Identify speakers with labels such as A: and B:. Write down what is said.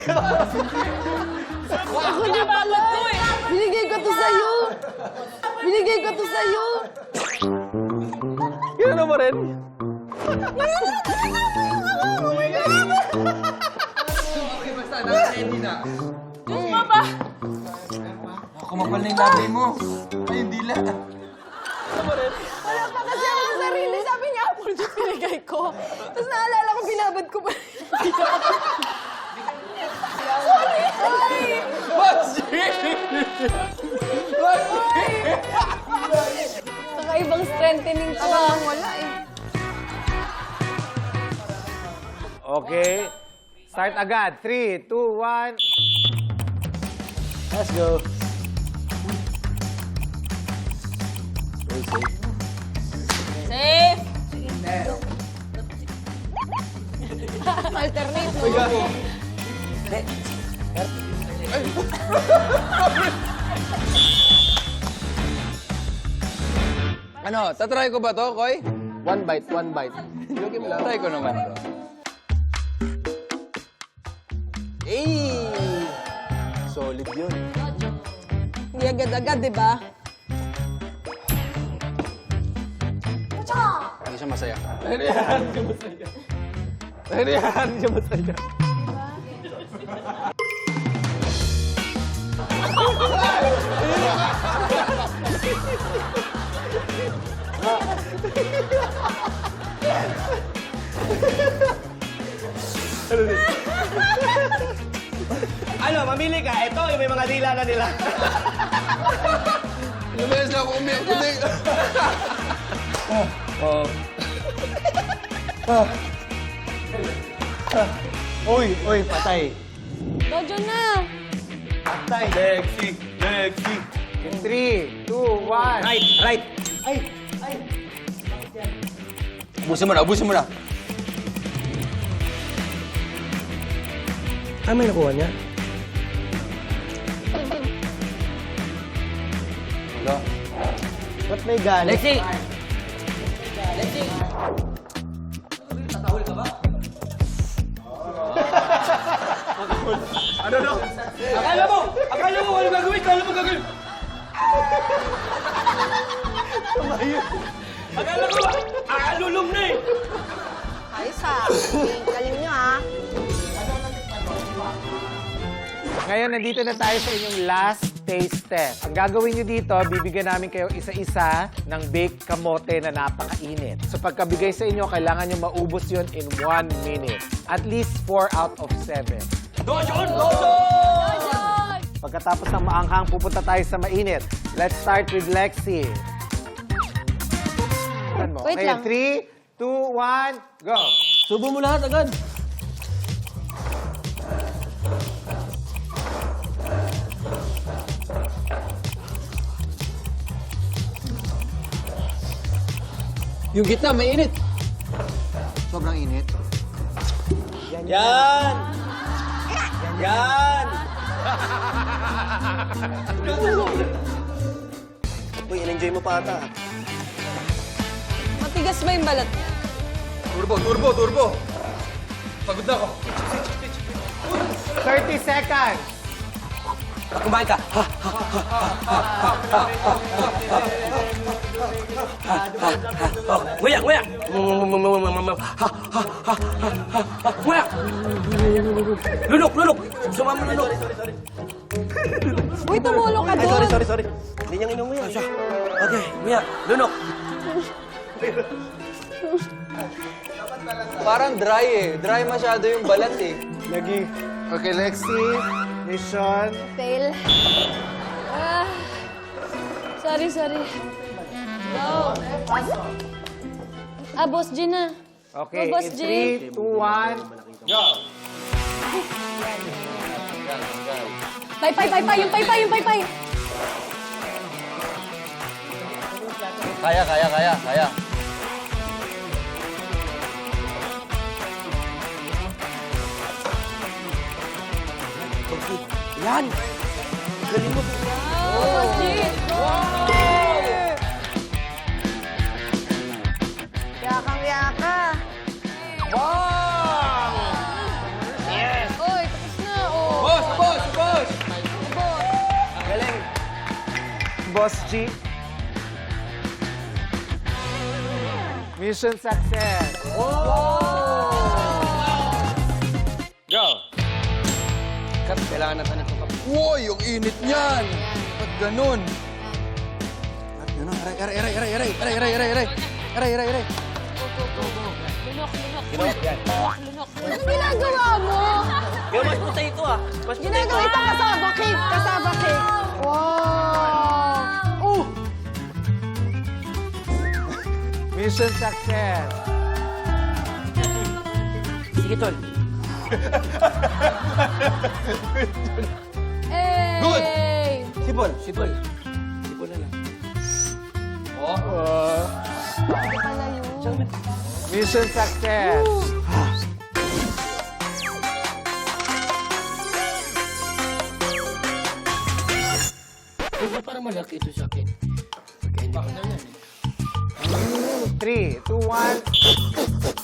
A: Ako din pala. Binigay ko to sa'yo. Binigay ko to sa'yo.
B: Gano'n mo rin?
C: Okay, basta. Naka-ready na.
A: Diyos mo ba?
C: Kumapal na yung labi mo. Ay, hindi lang.
A: Wala pa kasi ako sa sarili. Sabi niya, apple juice binigay ko. Tapos naalala ko, binabad ko pa. Sorry! Sorry! Kakaibang strengthening ko. Wala eh.
B: Okay. Start agad. 3, 2, 1. Let's go.
A: Safe! Alternate mo.
C: Ano, tatry ko ba to, Koy?
B: One bite, one bite.
C: Joking lang. Try ko naman to.
B: Hey! Solid yun.
A: Hindi agad-agad, di ba?
C: Hindi siya masaya.
B: Nariyahan siya masaya. Nariyahan siya masaya. Ano, mamili ka. Ito, yung may mga dila na nila.
C: Lumayas na ako umiyak. Kundi.
B: Uy, uy, patay.
A: Dojo na!
B: Patay.
C: Lexi. Lexi.
B: In 3, 2, 1.
C: Right, right.
B: Ay, ay.
C: Ubusin mo na, ubusin mo na.
B: Ah, may nakuha niya?
C: Hello?
B: Ba't may galit?
C: Lexi!
B: Ano no?
C: Akala mo ano gagawin? Akala mo gagawin? Akala ko, aalulong na eh.
A: Ayos ha. Galing nyo ha.
B: Ngayon, nandito na tayo sa inyong last taste test. Ang gagawin nyo dito, bibigyan namin kayo isa-isa ng baked kamote na napakainit. So pagkabigay sa inyo, kailangan nyo maubos yun in 1 minute. At least 4 out of 7.
C: Dojon! Dojon!
A: Dojo!
B: Pagkatapos ng maanghang, pupunta tayo sa mainit. Let's start with Lexi.
A: Wait
B: Okay,
A: lang.
B: 3, 2, 1, go!
C: Subo mo lahat agad. Yung gitna, may init. Sobrang init.
B: Yan! Yan! Uy, in-enjoy mo pa ata.
A: Matigas ba yung balat?
C: Turbo, turbo, turbo. Pagod na ako.
B: 30 seconds!
C: Kumain ka. Nguya, nguya. Nguya. Lunok, lunok. Sumama lunok.
A: Uy, tumulong ka doon.
B: Sorry. Hindi niyang inom mo yan.
C: Okay, nguya. Lunok. Parang dry eh. Dry masyado yung balat eh.
B: Lagi. Okay, Lexi. Mission.
A: Fail. Ah. Sorry. Go. Ah, Boss G na.
B: Okay,
A: Go, Boss
B: in
A: G.
B: 3, 2, 1, go!
A: Pay. Yung pay.
C: Kaya. Yan! Galing mo.
A: Oh, Boss G. Yakang-yaka.
B: Wow!
A: Oy, tapos na.
B: Boss G. Mission success.
C: Go! Kat, kailangan natin ito.
D: Uy, yung init niyan! Ba't ganun? Ba't ganun? Aray.
A: Anong ginagawa mo?
C: Yo, mas puta ito ah. Mas puta ito.
A: Ginagawa ito kasama cake. Kasama cake. Wow! Oh!
B: Mission success.
C: Sige, tol.
A: Good!
C: Sipol. Sipol na lang.
B: Mission success.
C: Para malaki ito sa akin. Kaya hindi ko na yan eh.
B: 3, 2, 1.